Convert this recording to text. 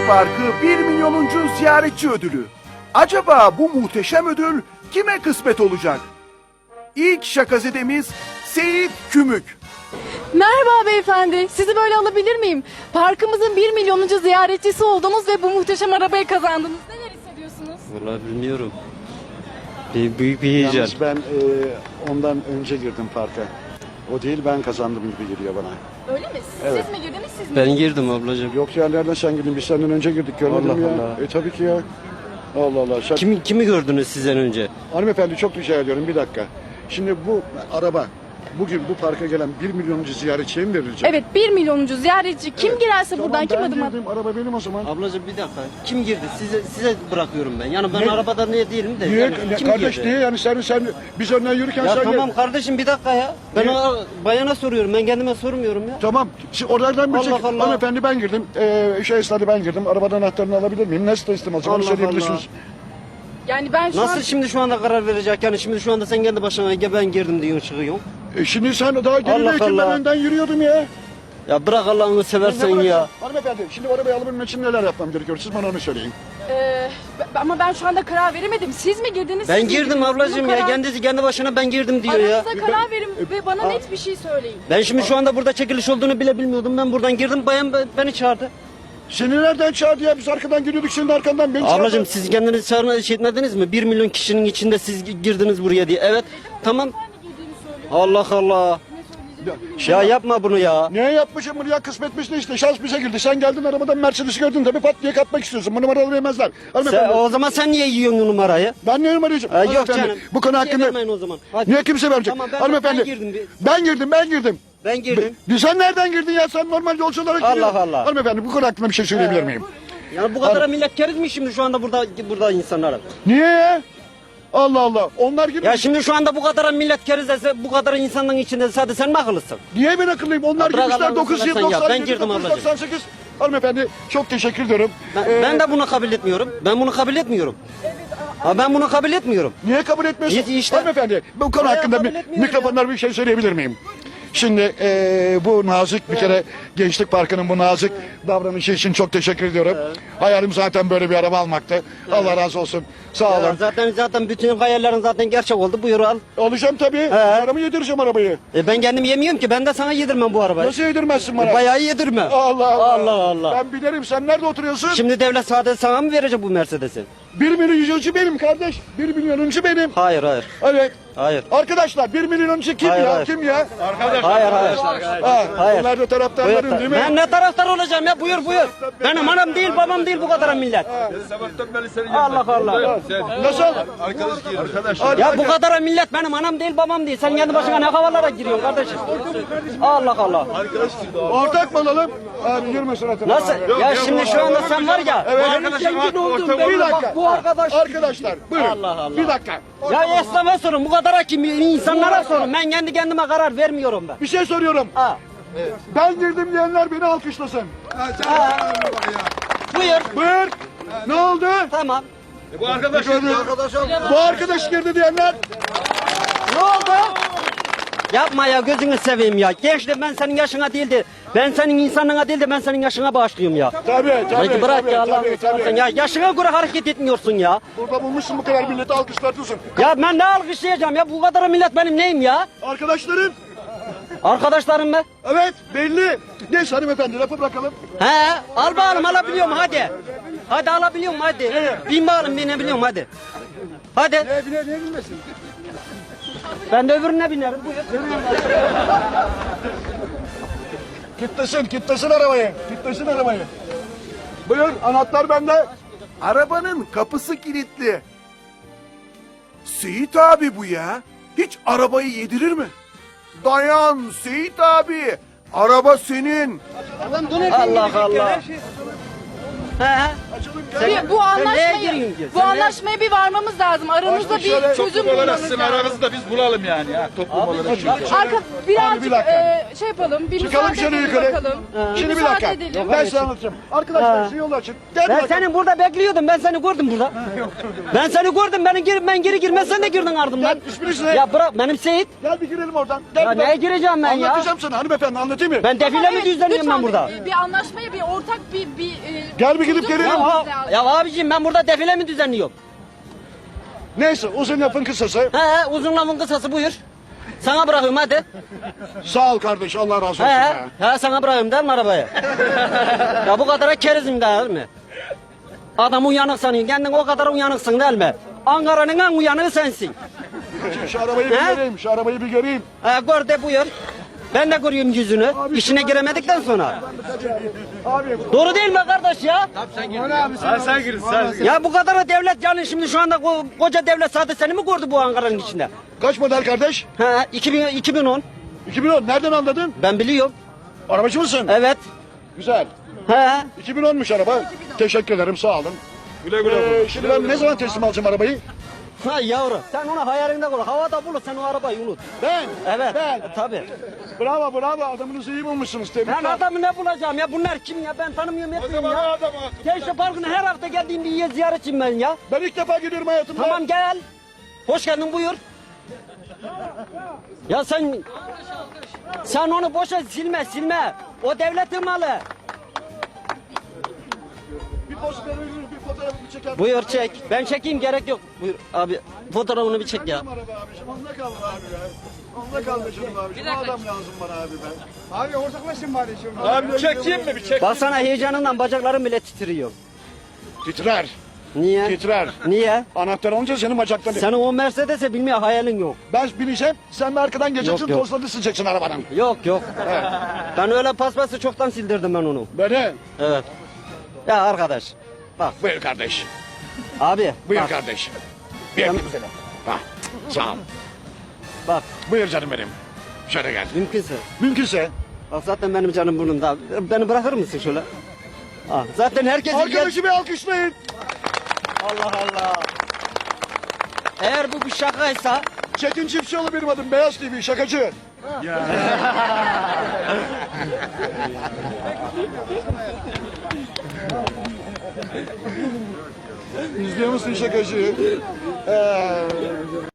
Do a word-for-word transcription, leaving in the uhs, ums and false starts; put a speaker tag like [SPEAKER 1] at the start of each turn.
[SPEAKER 1] Parkı bir milyonuncu ziyaretçi ödülü. Acaba bu muhteşem ödül kime kısmet olacak? İlk şakazedemiz Seyit Kümük.
[SPEAKER 2] Merhaba beyefendi. Sizi böyle alabilir miyim? Parkımızın bir milyonuncu ziyaretçisi oldunuz ve bu muhteşem arabayı kazandınız. Neler hissediyorsunuz?
[SPEAKER 3] Vallahi bilmiyorum. Bir, büyük bir heyecan.
[SPEAKER 4] Yalnız ben e, ondan önce girdim parka. O değil, ben kazandım gibi geliyor bana.
[SPEAKER 2] Öyle mi?
[SPEAKER 4] Evet.
[SPEAKER 2] Siz mi girdiniz siz mi?
[SPEAKER 3] Ben girdim ablacığım.
[SPEAKER 4] Yok ya, nereden sen girdin? Biz senden önce girdik, görmedim
[SPEAKER 3] Allah
[SPEAKER 4] ya.
[SPEAKER 3] Allah.
[SPEAKER 4] E tabii ki ya. Allah Allah. Sen...
[SPEAKER 3] Kimi, kimi gördünüz sizden önce?
[SPEAKER 4] Hanımefendi, çok rica ediyorum, bir dakika. Şimdi bu araba bugün bu parka gelen bir milyonuncu ziyaretçiye mi verilecek?
[SPEAKER 2] Evet, bir milyonuncu ziyaretçi. Kim
[SPEAKER 4] Evet.
[SPEAKER 2] girerse
[SPEAKER 4] Tamam,
[SPEAKER 2] buradan kim
[SPEAKER 4] ben
[SPEAKER 2] adım at?
[SPEAKER 4] girdim, araba benim o zaman.
[SPEAKER 3] Ablacığım bir dakika. Kim girdi? Size size bırakıyorum ben. Yani ben
[SPEAKER 4] Ne?
[SPEAKER 3] arabada ne değilim de.
[SPEAKER 4] Niye?
[SPEAKER 3] Yani
[SPEAKER 4] Ne-
[SPEAKER 3] kim
[SPEAKER 4] kardeş
[SPEAKER 3] girdi?
[SPEAKER 4] niye yani sen sen biz önden yürürken
[SPEAKER 3] Ya
[SPEAKER 4] sen
[SPEAKER 3] tamam
[SPEAKER 4] gel-
[SPEAKER 3] kardeşim bir dakika ya. Ben
[SPEAKER 4] Niye?
[SPEAKER 3] o bayana soruyorum. Ben kendime sormuyorum ya.
[SPEAKER 4] Tamam. Şimdi oradan bir
[SPEAKER 3] Allah
[SPEAKER 4] çek.
[SPEAKER 3] Allah.
[SPEAKER 4] Hanımefendi ben girdim. Ee, şey esnada ben girdim. Arabadan anahtarını alabilir miyim? Nasıl teslim alacağım? Onu
[SPEAKER 3] Allah
[SPEAKER 4] söyleyebilirsiniz.
[SPEAKER 2] Yani ben şu
[SPEAKER 3] Nasıl
[SPEAKER 2] an...
[SPEAKER 3] şimdi şu anda karar verecek? Yani şimdi şu anda sen kendi başına ya ben girdim diyorsun çıkıyorsun.
[SPEAKER 4] E şimdi sen daha gerideyken ben
[SPEAKER 3] Allah.
[SPEAKER 4] önden yürüyordum ya.
[SPEAKER 3] Ya bırak Allah'ını seversen
[SPEAKER 4] Ne
[SPEAKER 3] ya.
[SPEAKER 4] bırakın? Hanımefendi şimdi arabayı alabilmek için neler yapmam gerekiyor? Siz bana onu söyleyin.
[SPEAKER 2] Ee, b- ama ben şu anda karar veremedim. Siz mi girdiniz?
[SPEAKER 3] Ben
[SPEAKER 2] siz mi
[SPEAKER 3] girdim
[SPEAKER 2] girdiniz?
[SPEAKER 3] ablacığım
[SPEAKER 2] Bunun
[SPEAKER 3] ya.
[SPEAKER 2] karar-
[SPEAKER 3] Kendisi kendi başına ben girdim diyor ya.
[SPEAKER 2] Aranızda karar verin ve bana
[SPEAKER 4] a-
[SPEAKER 2] net bir şey söyleyin.
[SPEAKER 3] Ben şimdi şu anda burada çekiliş olduğunu bile bilmiyordum. Ben buradan girdim. Bayan be- beni çağırdı.
[SPEAKER 4] Seni nereden çağırdı ya? Biz arkadan giriyorduk, şimdi arkandan beni çağırdı.
[SPEAKER 3] Ablacığım siz kendiniz çağırma şey etmediniz mi? Bir milyon kişinin içinde siz gi- girdiniz buraya diye. Evet. Tamam.
[SPEAKER 2] Hangi girdiğini söyle.
[SPEAKER 3] Allah Allah. Ya yapma bunu ya.
[SPEAKER 4] Niye yapmışım bunu ya? Kısmetmiş de işte. Şans bize girdi. Sen geldin arabadan Mercedes'i gördün tabii, pat diye katmak istiyorsun. Bu numaraları yemezler.
[SPEAKER 3] Sen,
[SPEAKER 4] Hanımefendi.
[SPEAKER 3] o zaman sen niye yiyorsun numarayı?
[SPEAKER 4] Ben ne numarayacağım?
[SPEAKER 3] Ha, yok
[SPEAKER 4] Hanımefendi,
[SPEAKER 3] canım.
[SPEAKER 4] Bu konu
[SPEAKER 3] Bir şey
[SPEAKER 4] hakkında...
[SPEAKER 3] vermeyin o zaman. Hadi.
[SPEAKER 4] Niye kimse verecek?
[SPEAKER 3] Tamam, ben-
[SPEAKER 4] Hanımefendi.
[SPEAKER 3] ben girdim bir-
[SPEAKER 4] Ben girdim, ben girdim.
[SPEAKER 3] Ben girdim.
[SPEAKER 4] Be- Sen nereden girdin ya? Sen normal yolcu olarak
[SPEAKER 3] Allah
[SPEAKER 4] giriyorsun.
[SPEAKER 3] Allah.
[SPEAKER 4] Hanımefendi bu konu hakkında bir şey söyleyebilir miyim?
[SPEAKER 3] Yani bu kadar millet keriz mi şimdi şu anda burada burada insanlara?
[SPEAKER 4] Niye ya? Allah Allah. Onlar gibi.
[SPEAKER 3] Ya şimdi şu anda bu kadar millet keriz dese bu kadar insanın içinde sadece sen mi akıllısın?
[SPEAKER 4] Niye ben akıllıyım? Onlar
[SPEAKER 3] Ya bırak
[SPEAKER 4] girmişler
[SPEAKER 3] Allah'ını
[SPEAKER 4] dokuz yüz
[SPEAKER 3] seversen ya.
[SPEAKER 4] doksan
[SPEAKER 3] Ben
[SPEAKER 4] yedi,
[SPEAKER 3] girdim
[SPEAKER 4] dokuz yüz
[SPEAKER 3] ablacığım.
[SPEAKER 4] doksan sekiz. Hanımefendi çok teşekkür ediyorum.
[SPEAKER 3] Ben,
[SPEAKER 4] Ee,
[SPEAKER 3] ben de bunu kabul etmiyorum. Ben bunu kabul etmiyorum. Ha ben bunu kabul etmiyorum.
[SPEAKER 4] Niye kabul etmiyorsun?
[SPEAKER 3] İşte- işte.
[SPEAKER 4] Hanımefendi bu konu
[SPEAKER 3] Hayır,
[SPEAKER 4] hakkında
[SPEAKER 3] kabul
[SPEAKER 4] mi,
[SPEAKER 3] etmiyorum
[SPEAKER 4] mikrofonlar bir şey söyleyebilir miyim? Şimdi eee, bu nazik bir kere Gençlik Parkı'nın bu nazik davranışı için çok teşekkür ediyorum. Hayalim zaten böyle bir araba almaktı. Allah razı olsun. Sağ
[SPEAKER 3] Ya
[SPEAKER 4] olun.
[SPEAKER 3] zaten zaten bütün hayallerin zaten gerçek oldu. Buyur al.
[SPEAKER 4] Alacağım tabii. Paramı yedireceğim arabayı.
[SPEAKER 3] E ben kendim yemiyorum ki. Ben de sana yedirmem bu arabayı.
[SPEAKER 4] Nasıl yedirmezsin bana?
[SPEAKER 3] E, bayağı yedirme.
[SPEAKER 4] Allah Allah.
[SPEAKER 3] Allah Allah.
[SPEAKER 4] Ben bilirim. Sen nerede oturuyorsun?
[SPEAKER 3] Şimdi devlet sadece sana mı verecek bu Mercedes'i?
[SPEAKER 4] Bir milyonuncu benim kardeş. Bir milyonuncu benim.
[SPEAKER 3] Hayır hayır.
[SPEAKER 4] Evet.
[SPEAKER 3] Hayır.
[SPEAKER 4] Arkadaşlar bir milyonuncu kim
[SPEAKER 3] Hayır,
[SPEAKER 4] ya?
[SPEAKER 3] hayır.
[SPEAKER 4] Kim ya?
[SPEAKER 3] Hayır hayır.
[SPEAKER 4] Ha,
[SPEAKER 3] Hayır.
[SPEAKER 4] Bunlar da taraftarların
[SPEAKER 3] Buyur.
[SPEAKER 4] değil mi?
[SPEAKER 3] Ben ne taraftar olacağım ya? Buyur buyur. Benim anam değil babam değil bu kadar millet. Allah Allah.
[SPEAKER 4] Nasıl? Arkadaş.
[SPEAKER 3] Ya bu kadar millet benim anam değil babam değil. Sen kendi başına ne havalara giriyorsun kardeşim? Allah Allah.
[SPEAKER 4] Ortak mı olalım? Abi yürüme suratına.
[SPEAKER 3] Nasıl? Ya şimdi şu anda sen var ya.
[SPEAKER 4] Evet.
[SPEAKER 3] benim zengin olduğum belli.
[SPEAKER 4] Bir dakika.
[SPEAKER 3] Bak bu arkadaş.
[SPEAKER 4] Arkadaşlar buyurun.
[SPEAKER 3] Allah Allah.
[SPEAKER 4] Bir dakika.
[SPEAKER 3] Ya esnafa sorun bu kadar kim insanlara sorun. Ben kendi kendime karar vermiyorum ben.
[SPEAKER 4] Bir şey soruyorum.
[SPEAKER 3] Ha.
[SPEAKER 4] Ben girdim diyenler beni alkışlasın.
[SPEAKER 3] Buyur.
[SPEAKER 4] Buyur. Ne oldu?
[SPEAKER 3] Tamam.
[SPEAKER 4] Bu arkadaş Bu arkadaş girdi diyenler.
[SPEAKER 3] Ne oldu? Yapma ya gözünü seveyim ya. Gençler ben senin yaşına değil de ben senin insanlığına değil de ben senin yaşına bağışlıyorum ya.
[SPEAKER 4] Tabii tabii.
[SPEAKER 3] Peki bırak
[SPEAKER 4] tabii,
[SPEAKER 3] ya Allah'ını
[SPEAKER 4] tabii,
[SPEAKER 3] seversen
[SPEAKER 4] tabii.
[SPEAKER 3] ya. Yaşına göre hareket etmiyorsun ya.
[SPEAKER 4] Burada bulmuşsun bu kadar milleti alkışlatıyorsun.
[SPEAKER 3] Ya ben ne alkışlayacağım ya? Bu kadar millet benim neyim ya?
[SPEAKER 4] Arkadaşların.
[SPEAKER 3] Arkadaşlarım mı?
[SPEAKER 4] Evet belli. Neyse hanımefendi lafı bırakalım.
[SPEAKER 3] He, al bakalım alabiliyorum hadi. Hadi alabiliyorum hadi. Bin bakalım binebiliyorum hadi. Hadi.
[SPEAKER 4] Ne bine ne bilmesin.
[SPEAKER 3] Ben de öbürüne binerim. Buyur.
[SPEAKER 4] Kitlesin kitlesin arabayı. Kitlesin arabayı. Buyur anahtar bende.
[SPEAKER 1] Arabanın kapısı kilitli. Seyit abi bu ya. Hiç arabayı yedirir mi? Dayan Seyit abi. Araba senin.
[SPEAKER 3] Allah Allah. He he.
[SPEAKER 2] Bir, bu
[SPEAKER 3] neye
[SPEAKER 2] anlaşmayı,
[SPEAKER 3] giriyorsun ki?
[SPEAKER 2] bu
[SPEAKER 3] Sen
[SPEAKER 2] anlaşmaya bir varmamız lazım. Aramızda
[SPEAKER 1] Başka
[SPEAKER 2] bir
[SPEAKER 1] şöyle-
[SPEAKER 2] çözüm
[SPEAKER 5] Toplum olarak
[SPEAKER 2] bulmamız
[SPEAKER 5] sizin
[SPEAKER 2] lazım.
[SPEAKER 5] aranızda biz bulalım yani. Ha, toplum olarak.
[SPEAKER 2] Arka birazcık
[SPEAKER 4] bir dakika.
[SPEAKER 2] e, şey yapalım, bir
[SPEAKER 4] Çıkalım
[SPEAKER 2] müsaade
[SPEAKER 4] şöyle
[SPEAKER 2] edelim
[SPEAKER 4] yukarı.
[SPEAKER 2] bakalım.
[SPEAKER 4] Şimdi bir
[SPEAKER 2] müsaade
[SPEAKER 4] dakika.
[SPEAKER 2] edelim.
[SPEAKER 4] Ben size anlatacağım. Arkadaşlar
[SPEAKER 3] Ha.
[SPEAKER 4] şu yolu açın. Gel
[SPEAKER 3] Ben
[SPEAKER 4] bakalım.
[SPEAKER 3] seni burada bekliyordum. Ben seni gördüm burada. Ben seni gördüm. Benim gir, ben geri girmez sen de girdin ardımdan.
[SPEAKER 4] Gel, isminiz ne?
[SPEAKER 3] Ya bırak benim Seyit.
[SPEAKER 4] Gel bir girelim oradan. Gel
[SPEAKER 3] Ya
[SPEAKER 4] bir bak.
[SPEAKER 3] neye gireceğim ben ya?
[SPEAKER 4] Anlatacağım sana hanımefendi, anlatayım mı?
[SPEAKER 3] Ben defile mi
[SPEAKER 2] Evet,
[SPEAKER 3] düzenliyorum
[SPEAKER 2] lütfen
[SPEAKER 3] ben burada?
[SPEAKER 2] Bir, bir anlaşmaya, bir ortak bir... bir e,
[SPEAKER 4] Gel bir gidip
[SPEAKER 2] çözüm
[SPEAKER 4] gelelim.
[SPEAKER 3] Ya,
[SPEAKER 2] bulmamız
[SPEAKER 3] ha-
[SPEAKER 2] lazım.
[SPEAKER 3] ya abiciğim ben burada defile mi düzenliyorum?
[SPEAKER 4] Neyse uzun lafın kısası.
[SPEAKER 3] He he uzun lafın kısası buyur. Sana bırakıyorum hadi.
[SPEAKER 4] Sağ ol kardeş, Allah razı olsun.
[SPEAKER 3] He
[SPEAKER 4] be.
[SPEAKER 3] he, he sana bırakıyorum değil mi arabayı? Ya bu kadar kerizim değil mi? Adam uyanık sanıyor. Kendin o kadar uyanıksın değil mi? Ankara'nın en uyanığı sensin.
[SPEAKER 4] Şimdi şu arabayı bir
[SPEAKER 3] He?
[SPEAKER 4] göreyim, şu arabayı bir göreyim.
[SPEAKER 3] He gör de buyur. Ben de görüyorum yüzünü. İşine giremedikten sonra.
[SPEAKER 4] Abi
[SPEAKER 3] Doğru değil mi kardeş ya?
[SPEAKER 5] Ha, sen girin sen.
[SPEAKER 3] Ya bu kadar da devlet yani şimdi şu anda ko- koca devlet sadece seni mi gördü bu Ankara'nın içinde?
[SPEAKER 4] kaç model kardeş?
[SPEAKER 3] He iki bin, iki bin on.
[SPEAKER 4] iki bin on. Nereden anladın?
[SPEAKER 3] Ben biliyorum.
[SPEAKER 4] Arabacı mısın?
[SPEAKER 3] Evet.
[SPEAKER 4] Güzel.
[SPEAKER 3] He.
[SPEAKER 4] iki bin onmuş araba. Teşekkür ederim, sağ olun.
[SPEAKER 5] Güle güle.
[SPEAKER 4] Ee, şimdi ben ne zaman teslim alacağım arabayı?
[SPEAKER 3] Ha yavru. Sen onu hayalinde kur. Havada bulur sen o arabayı unut.
[SPEAKER 4] Ben.
[SPEAKER 3] Evet.
[SPEAKER 4] Ben.
[SPEAKER 3] Tabii.
[SPEAKER 4] Bravo bravo, adamınızı iyi bulmuşsunuz.
[SPEAKER 3] Ben
[SPEAKER 4] Tebrikler.
[SPEAKER 3] adamı ne bulacağım ya? Bunlar kim ya? Ben tanımıyorum
[SPEAKER 5] O
[SPEAKER 3] etmiyorum
[SPEAKER 5] zaman o
[SPEAKER 3] ya.
[SPEAKER 5] adamı.
[SPEAKER 3] Gençlik Parkı'na her hafta geldiğim bir yer ziyaretçiyim ben ya.
[SPEAKER 4] Ben ilk defa gidiyorum hayatımda.
[SPEAKER 3] Tamam gel. Hoş geldin buyur. Ya sen sen onu boşa silme silme. O devletin malı.
[SPEAKER 4] Bir poz verir, bir fotoğrafımı çeker.
[SPEAKER 3] Buyur çek. Ben çekeyim gerek yok. Buyur abi fotoğrafını bir çek ya.
[SPEAKER 4] Araba abiciğim, onda kaldı abi ya. Onda kaldı canım abiciğim. O adam lazım bana abi ben. Abi ortaklaşın bari şimdi.
[SPEAKER 5] Abi bir çekeyim mi bir çek?
[SPEAKER 3] Baksana heyecanından bacaklarım bile titriyor.
[SPEAKER 4] Titrer.
[SPEAKER 3] Niye?
[SPEAKER 4] Titrer.
[SPEAKER 3] Niye?
[SPEAKER 4] Anahtar olunca senin bacakların.
[SPEAKER 3] Senin o Mercedes'e bilmiyor hayalin yok.
[SPEAKER 4] Ben bineceğim, sen de arkadan geleceksin,
[SPEAKER 3] Yok, yok.
[SPEAKER 4] tozlarını sileceksin arabanın.
[SPEAKER 3] Yok yok. Ben öyle paspası çoktan sildirdim ben onu.
[SPEAKER 4] Beni.
[SPEAKER 3] Evet. Ya arkadaş. Bak
[SPEAKER 4] Buyur kardeş.
[SPEAKER 3] abi.
[SPEAKER 4] Buyur
[SPEAKER 3] bak,
[SPEAKER 4] kardeş. Bir öpeyim seni. Ha, sağ ol.
[SPEAKER 3] Bak
[SPEAKER 4] Buyur canım benim. Şöyle gel.
[SPEAKER 3] mümkünse.
[SPEAKER 4] Mümkünse.
[SPEAKER 3] Bak zaten benim canım burnumda. Beni bırakır mısın şöyle? Ah, zaten herkesin gel...
[SPEAKER 4] Arkadaşı bir alkışlayın.
[SPEAKER 3] Allah Allah. Eğer bu bir şakaysa
[SPEAKER 4] Çetin Çiftçioğlu benim adım. Beyaz T V, şakacı. İzliyor musun şakacı? Ee,